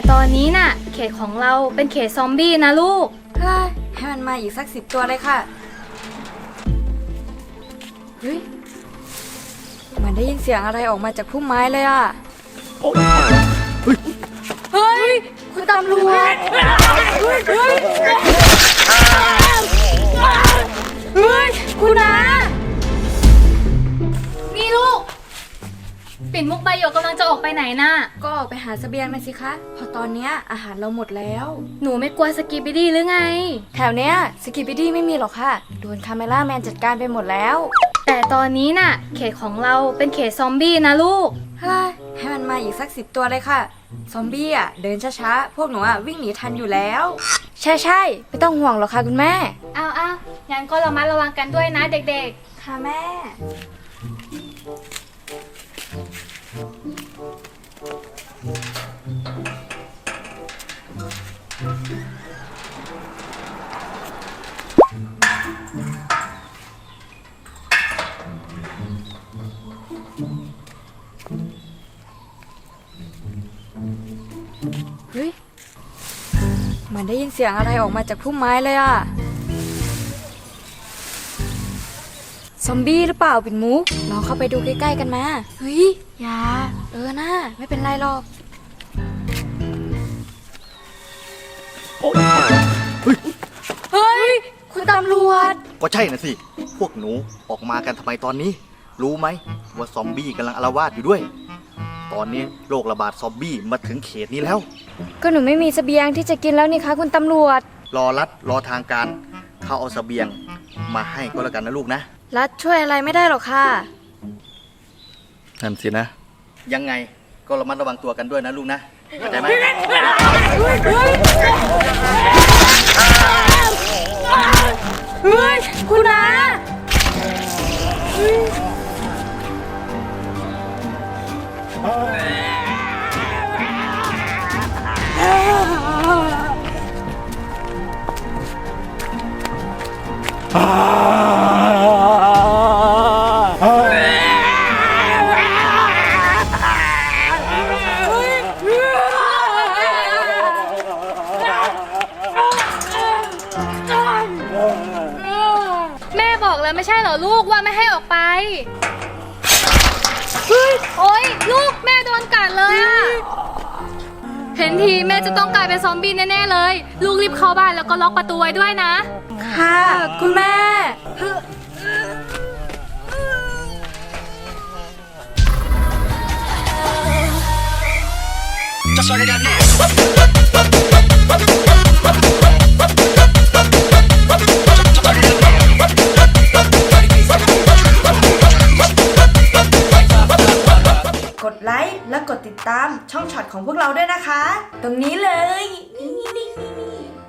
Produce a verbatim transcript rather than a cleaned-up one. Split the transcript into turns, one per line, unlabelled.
ตอนนี้น่ะเขตของเราเป็นเขตซอมบี้นะลูก
เฮ้ยให้มันมาอีกสักสิบตัวเลยค่ะเฮ้ยเหมือนได้ยินเสียงอะไรออกมาจากพุ่มไม้เลยอ่ะเฮ้ยคุณตำรวจเฮ้ยเฮ้ยเฮ้ยคุณนะ
นี่ลูกปิ่นมุกใบหยกกำลังจะออกไปไหนน่ะ
ก็ออกไปหาเสบียงมาสิคะพอตอนเนี้ยอาหารเราหมดแล้ว
หนูไม่กลัวสกีบิดี้หรือไง
แถวเนี้ยสกิปปี้ดี้ไม่มีหรอกค่ะโดนคาเมล่าแมนจัดการไปหมดแล้ว
แต่ตอนนี้น่ะเขตของเราเป็นเขตซอมบี้นะลูก
เฮ้ยให้มันมาอีกสักสิบตัวเลยค่ะซอมบี้อ่ะเดินช้าๆพวกหนูอ่ะวิ่งหนีทันอยู่แล้วใช่ใช่ไม่ต้องห่วงหรอกค่ะคุณแม่
อ้าวอ้าวงั้นก็ระมัดระวังกันด้วยนะเด็ก
ๆค่ะแม่เฮ้ยเหมือนได้ยินเสียงอะไรออกมาจากพุ่มไม้เลยอ่ะซอมบี้หรือเปล่าปิ่นมุกลองเข้าไปดูใกล้ๆกันมาเฮ้ยอย่าเออนะไม่เป็นไรหรอกเฮ้ยคุณตำรวจ
ก็ใช่นะสิพวกหนูออกมากันทำไมตอนนี้รู้ไหมว่าซอมบี้กำลังอาละวาดอยู่ด้วยตอนนี้โรคระบาดซอมบี้มาถึงเขตนี้แล้ว
ก็หนูไม่มีเสบียงที่จะกินแล้วนี่คะคุณตำรวจ
รอรัดรอทางการเขาเอาเสบียงมาให้ก็แล้วกันนะลูกนะ
รัดช่วยอะไรไม่ได้หรอกค่ะ
นั่นสินะยังไงก็ระมัดระวังตัวกันด้วยนะลูกนะเข้าใจไหม
เฮ้ยคุณนะ
แม่บอกแล้วไม่ใช่เหรอลูกว่าไม่ให้ออกไปเฮ้ยโอ๊ยลูกแม่โดนกัดเลยอะเห็นทีแม่จะต้องกลายเป็นซอมบี้แน่ๆเลยลูกรีบเข้าบ้านแล้วก็ล็อกประตูไว้ด้วยนะ
ค่ะคุณแม่กดไลค์และกดติดตามช่องช็อตของพวกเราด้วยนะคะตรงนี้เลยนี่นี่นี่นี่